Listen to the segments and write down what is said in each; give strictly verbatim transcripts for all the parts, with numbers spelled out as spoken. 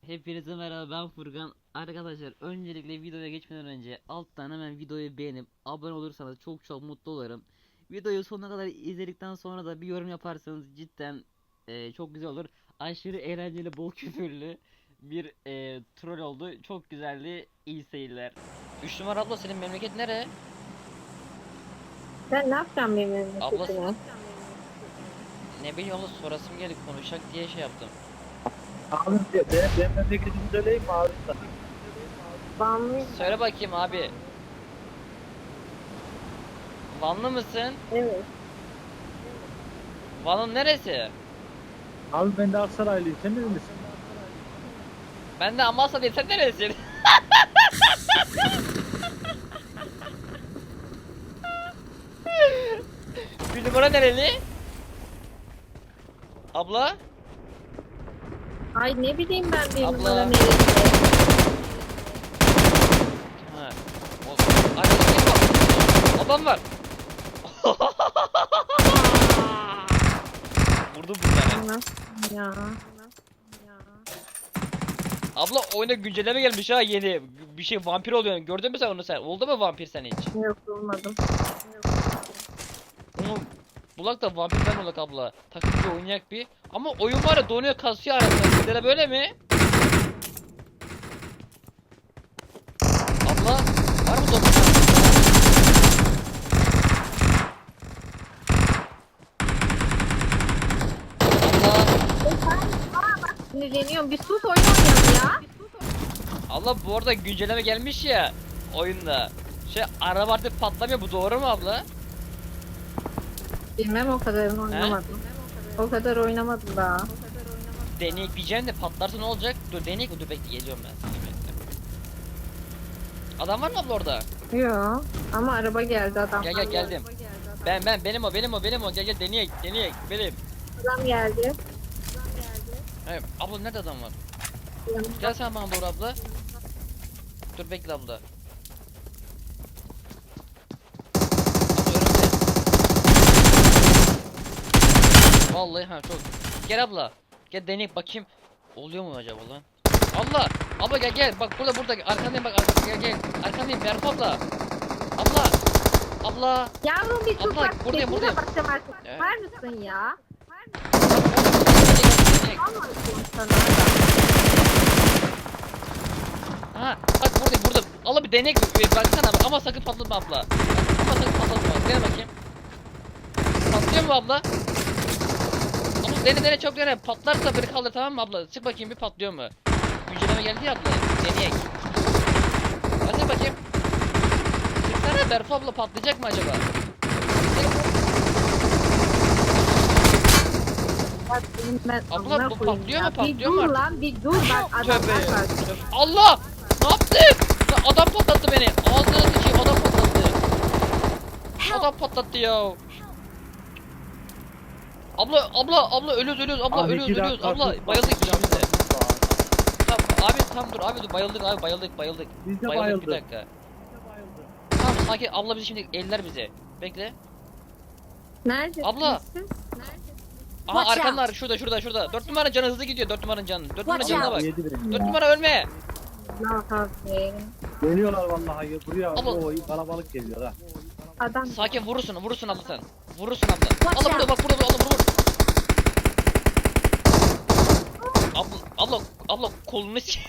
Hepinize merhaba, ben Furkan. Arkadaşlar, öncelikle videoya geçmeden önce alttan hemen videoyu beğenip abone olursanız çok çok mutlu olurum. Videoyu sonuna kadar izledikten sonra da bir yorum yaparsanız cidden e, çok güzel olur. Aşırı eğlenceli, bol küfürlü bir e, troll oldu. Çok güzeldi. İyi seyirler. üç numara abla, senin memleket nere? Ben ne yapacağım benim Abla memleketime? ne bileyim abla, sorasım geldi, konuşacak diye şey yaptım. Abi ben, ben memleketimi söyleyeyim mi abi sana? Vanlıyım. Söyle bakayım abi. Vanlı mısın? Evet. Van'ın neresi? Abi ben de Aksaraylıyım, sen de misin? Ben de Amasya'dayım, sen neresin? Bir numara nereli? Abla? Ay ne bileyim ben bir Abla. numara neresi. Ha. O, arkada kim var? Adam var. Vurdum bir tane. Nasıl ya? Ya. Abla, oyuna güncelleme gelmiş ha, yeni. Bir şey vampir oluyor. Gördün mü sen onu sen? Oldu mu vampir sen hiç? Yok olmadım. Yok. Onu bulak da vampir ben olak abla. Takımcı oynayak bir. Ama oyun var ya, donuyor, kasıyor arasında. Sizde de böyle mi? Abla var mı dokuz? Abla. Sinirleniyorum. Bir sus oyun oynayalım ya. Abla, bu arada güncelleme gelmiş ya oyunda. Şey, araba artık patlamıyor, bu doğru mu abla? Bilmem, o kadarını oynamadım. O kadar oynamadım daha. Deneyek diyeceğim de patlarsa ne olacak? Dur deneyek mi? Dur bekle, geliyorum ben. Seni bekle. Adam var mı abla orada? Yok. Ama araba geldi adam. Gel gel, geldim. Ben ben benim o benim o benim o, gel gel deneyek deneyek benim. Adam geldi. Evet abla, nerede adam var? Gel sen bana doğru abla. Dur bekle abla. Abla önümde. Vallahi ha, çok. Gel abla. Gel deneyek bakayım. Oluyor mu acaba lan? Abla, abla gel gel. Bak burada burada. Arkandayım bak, arkandayım, gel gel. Arkandayım Berfu abla. Abla. Abla. Yavrum bir sus Abla, bak. buradayım, Sesine buradayım. bakacağım artık. Evet. Var mısın ya? Deneyek. Anlatıyorum sana. Ha, bak buradayım burada. Allah, bir deneyek bir baksana ama sakın patlatma abla. Ama sakın patlatma. Dene bakayım. Patlıyor mu abla? Abla dene dene, çok dene. Patlarsa beni kaldır, tamam mı abla? Sık bakayım bir, patlıyor mu? Güncelleme geldi ya abla. Deneyek. Hadi bakayım. Sıksana Berfu abla, patlayacak mı acaba? Bak benim ben Abla, amına bu koyayım patlıyor ya. mu? Patlıyor bir mu dur artık? lan, bir dur bak adamlar Tövbe. var. Allah! Ne yaptın? Lan adam patlattı beni. Ağzına sıçayım, adam patlattı. Adam patlattı ya. Abla abla abla, ölüyoruz ölüyoruz abla, Abi ölüyoruz iki ölüyoruz dakika abla, dur. bayıldık ikimiz de. Tamam abi, tam dur abi, dur, bayıldık abi, bayıldık bayıldık. Biz de Bayıldık, bayıldık. bir dakika. Tamam sakin, abla bizi şimdi eller bize. Bekle. Neredesin Abla. siz? Aha, Watch arkanlar şurada şurada şurada. dört numara canı hızlı gidiyor, dört numaranın canı. dört numara Watch canına out. bak. Yedi beni dört ya. numara ölme. Ne yapayım? Geliyorlar vallahi buraya. Abla. O kalabalık geliyor ha. Adam Sakin, vurursun vurursun abla sen. Vurursun abla. Watch Abla burada, out. bak burada, abla vur vur. Abla abla abla kolunu s-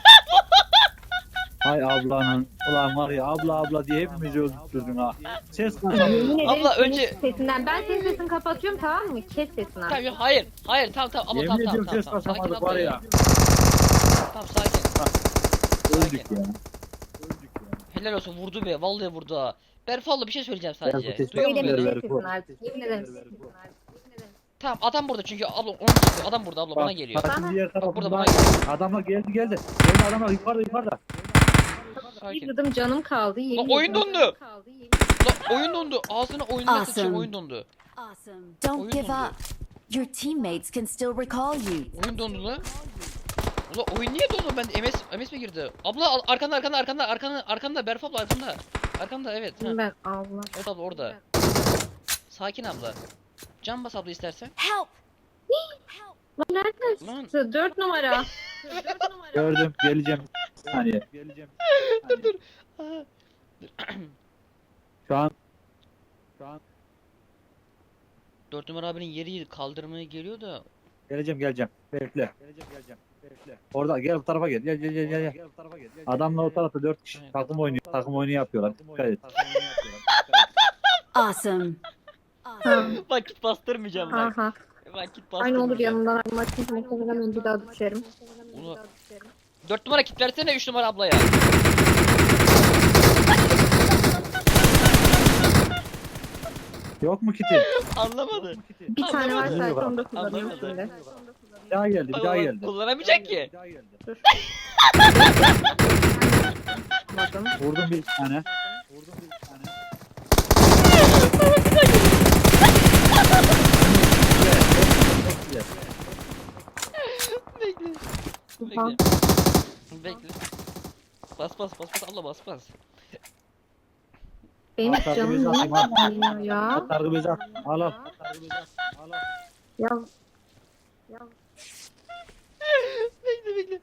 Hay ablanın. Ulan var ya, abla abla diye hepimizi öldürdün ha. Ses kasamıyor. yemin ederim Abla, senin önce- sesinden. Ben senin sesini kapatıyorum, tamam mı? Kes sesini Tamam artık. yok, hayır hayır, tamam tamam abla, Yemin tamam tamam ediyorum tamam, ses tamam. Sakin kasamadık abla var ya. ya. Tamam sakin. Öldük ya. Öldük ya. Helal olsun, vurdu be, vallahi vurdu ha. Berfu abla, bir şey söyleyeceğim Ben bu sadece. teşekkür Duyuyor musun Yemin beni? ederim kes sesini artık. Yemin ederim kes sesini artık. Yemin ederim. Tamam, adam burada çünkü abla, onun çıktı, adam burada abla, bana Bak, geliyor. bak şimdi diğer Bak burada, tarafında bana geliyor. adamlar geldi geldi. Geldi adamlar yukarıda yukarıda. Bir Sakin. gıdım canım kaldı. Yemin Lan oyun ederim. dondu. Kaldı, yemin Lan oyun dondu. Ağzına oyununa Awesome. sıçayım, oyun dondu. Awesome. Don't Oyun give dondu. up. Your teammates can still recall you. Oyun dondu lan. Ulan oyun niye dondu? Ben M S M S mi girdi? Abla al- arkanda arkanda arkanda arkanda arkanda Berfu abla, arkanda. Arkanda, evet. Ha. ederim. Ben Allah. Evet abla, orada. Sakin abla. Can bas abla istersen. Help! Lan nereden Lan. çıktı? Dört numara. Gördüm. Geleceğim. Bir saniye. Geleceğim. Dur dur. Şu an şu an Dört numara abinin yeri kaldırmaya geliyor da. geleceğim geleceğim. Bekle. Geleceğim geleceğim. Bekle. Orada gel bu tarafa gel. Gel gel gel gel. gel. Adamla o tarafta dört kişi Evet. takım oynuyor. Takım oyunu yapıyorlar. Dikkat et. Awesome. Ha, Vakit bastırmayacağım ha, bak. ha. Vakit Aynı olur bastırmayacağım. yanından ayrılmak için muhtemelen önce daha düşerim. Onu... Dört numara kit versene üç numara ablaya. Yok mu kiti? Anlamadı. Bir tane var Anlamadı. sadece onu da kullanıyorum Anlamadı. şimdi. Bir daha geldi. Bir daha geldi. Kullanamayacak ki. Bir daha geldi. Dur. Bakın. Vurdum bir tane. Vurdum bir tane. Bekle. Ha. Bekle. Bekle. Bas bas bas bas abla bas bas. Benim Atar canım gibi niye zaten var. kullanıyor ya? Sargı bezi at. Al al. Al al. Ya. Ya. Bekle bekle.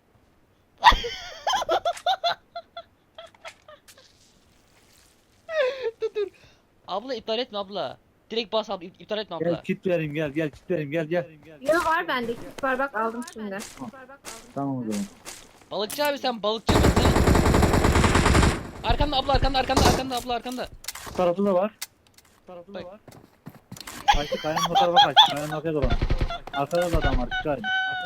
dur dur. Abla iptal etme abla. Direkt bas abla ip- iptal etme Gel abla. kit vereyim gel gel kit vereyim gel gel. Ya var bende. Kit var bak aldım şimdi. Tamam o zaman. Balıkçı abi sen balıkçı mısın? Arkanda abla arkanda arkanda arkanda abla arkanda. Bu tarafta da var. Bu tarafta da Bak. var. Kaçtı kayanın o tarafa kaçtı. Kayanın arkaya dolan. Arkada da adam var. Dikkat edin.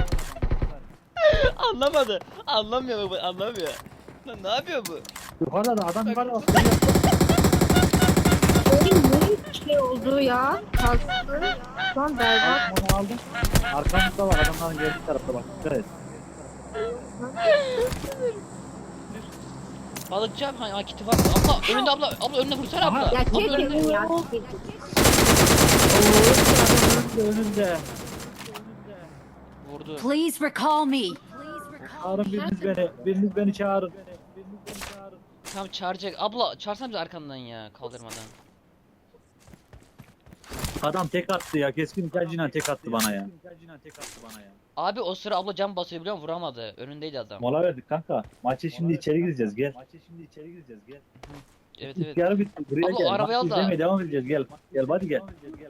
Anlamadı. Anlamıyor bu anlamıyor. Lan ne yapıyor bu? Yukarıda da adam yukarıda bak. Benim ne şey oldu ya? Kalktı. Lan berbat. Onu aldım. Arkamızda var adamların geldiği tarafta bak. Dikkat et. Balıkçı abi ha, ha kiti var. Abla önünde abla abla önüne vursana abla. Ya Abla önünde. çekin ya. Önünde. Vurdu. Please recall me. Çağırın biriniz beni. Biriniz beni çağırın. Tam çağıracak. Abla çağırsana bizi arkandan ya kaldırmadan. Adam tek attı ya. Keskin nişancıyla tek attı bana ya. Abi o sıra abla cam basıyor biliyor musun? Vuramadı. Önündeydi adam. Mola verdik kanka. Maça şimdi içeri gireceğiz gel. Maça şimdi içeri gireceğiz gel. Evet İlk evet. yarı bitti. Buraya Abla, gel. o arabayı al Maçı da. izlemeye devam edeceğiz gel. Gel hadi gel.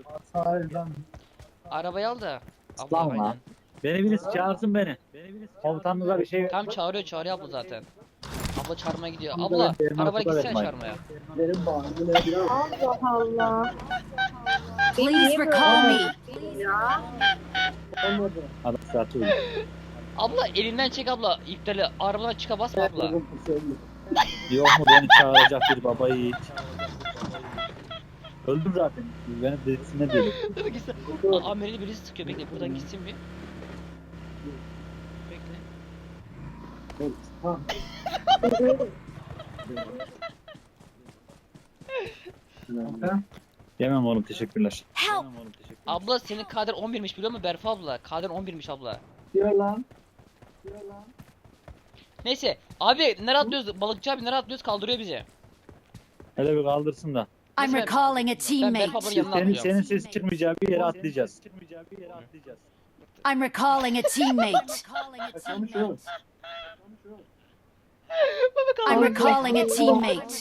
Arabayı al da. Abla Lan lan. aynen. Beni birisi çağırsın beni. Komutanınıza bir şey Tam çağırıyor çağırıyor abla zaten. Abla çağırmaya gidiyor. Bunu Abla ben benim arabaya nasıl gitsene öğretmen? çağırmaya. verin bana. Böyle biraz Allah Allah. Beni Please niye böyle recall me. ya? olmadı. Adam saati uyuyor. Abla elinden çek abla. İptali arabadan çıka basma abla. Yok mu beni çağıracak bir baba yiğit. Öldüm zaten. Beni dedisine değil. Dur gitsin. Aa Amerili birisi sıkıyor. Bekle buradan gitsin bir. Bekle. Yemem oğlum teşekkürler. Help. Yemem oğlum teşekkürler. Abla senin kader on birmiş biliyor musun Berfa abla? Kader on birmiş abla. Diyor lan. Neyse abi nereye atlıyoruz? Balıkçı abi nereye atlıyoruz? Kaldırıyor bizi. Hele bir kaldırsın da. I'm recalling a Ben Berfa teammate. ablanın yanına Senin, atlıyorum. senin ses çıkmayacağı bir yere atlayacağız. I'm recalling a teammate. I'm recalling a teammate.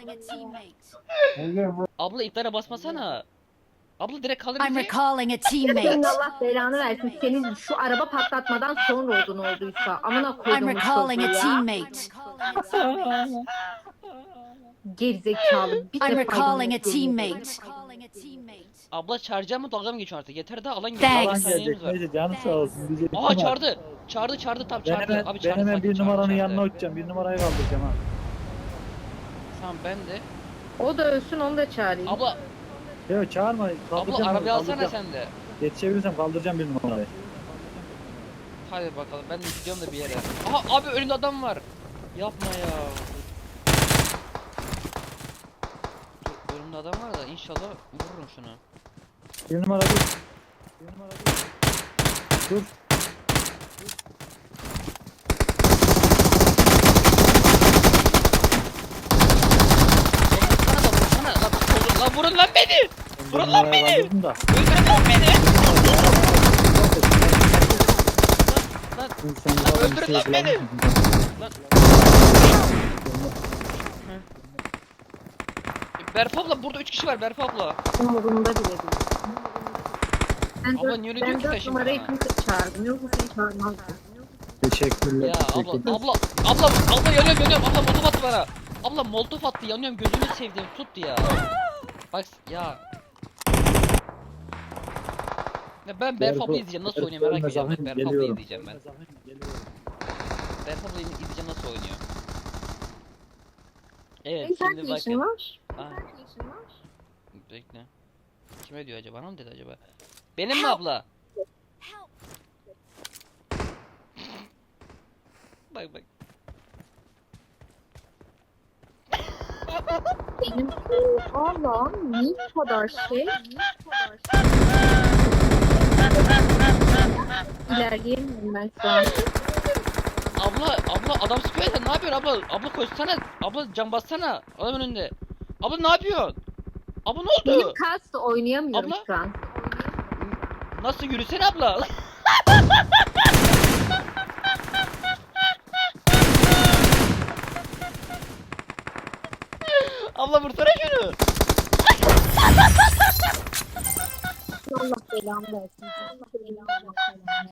Abla iplere basmasana. Abla direkt kaldır I'm bizi. recalling a Senin teammate. Allah belanı versin. Senin şu araba patlatmadan sonra oldu ne olduysa. Amına I'm koydum recalling a ya. teammate. Gerizekalı. Bir I'm defa recalling a yemin ediyorum. teammate. Abla çağıracağım mı dalga mı geçiyorsun artık? Yeter daha alan Thanks. geliyor. Alan Alan gelecek. saniyemiz var. Neyse canı sağ olsun. Diyecek. Aa çağırdı. Çağırdı çağırdı tam Ben çağırdı. hemen, Abi ben çağırdı. hemen sakin, bir çağırdı, numaranın çağırdı. yanına uçacağım. Bir numarayı kaldıracağım ha. Tamam ben de. O da ölsün onu da çağırayım. Abla Yok çağırma. Kaldıracağım. abla onu, arabayı alsana kaldıracağım. sen de. Yetişebilirsem kaldıracağım bir numarayı. Hadi bakalım ben de gidiyorum da bir yere. Aha abi önümde adam var. Yapma ya. Dur, önümde adam var da inşallah vururum şunu. Bir numara dur. Bir numara dur. Dur. Vursana da vursana. Lan, vurun lan vurun lan beni. Bir Vurun lan numarayı beni. kaldırdım da. Öldürün lan beni. Lan Lan Sen Lan bu adam öldürün şey lan beni. kullanmışsın. lan. Berf abla burada üç kişi var Berf abla. Umurumda bile değil. Ben Abla dört- niye öyle ben diyor ki sen dört şimdi numarayı bana? kimse çağırdım. Yoksa seni çağırmazdım. Teşekkürler. Ya abla teşekkürler. abla abla abla yanıyorum yanıyorum abla molotof attı bana. Abla molotof attı yanıyorum gözünü sevdiğim tuttu ya. Bak ya. Ya ben Berf abla izleyeceğim nasıl oynuyor merak ediyorum. Bak, Berf abla izleyeceğim ben. Berf abla izleyeceğim nasıl oynuyor. Evet Senin şimdi kaç bakın. yaşın var? Aa, Kaç yaşın var? bekle. Kime diyor acaba? Bana mı dedi acaba? Benim mi abla? Help! Bak bak. Benim Allah'ım niye bu kadar şey? İlerleyemiyorum ben şu an. Abla abla adam sıkıyor ya sen ne yapıyorsun abla? Abla koşsana. Abla can bassana. Adam önünde. Abla ne yapıyorsun? Abla ne oldu? Benim kast oynayamıyorum Abla? şu an. Nasıl yürüsene abla? Abla vursana şunu. Allah belamı versin. Allah belamı versin.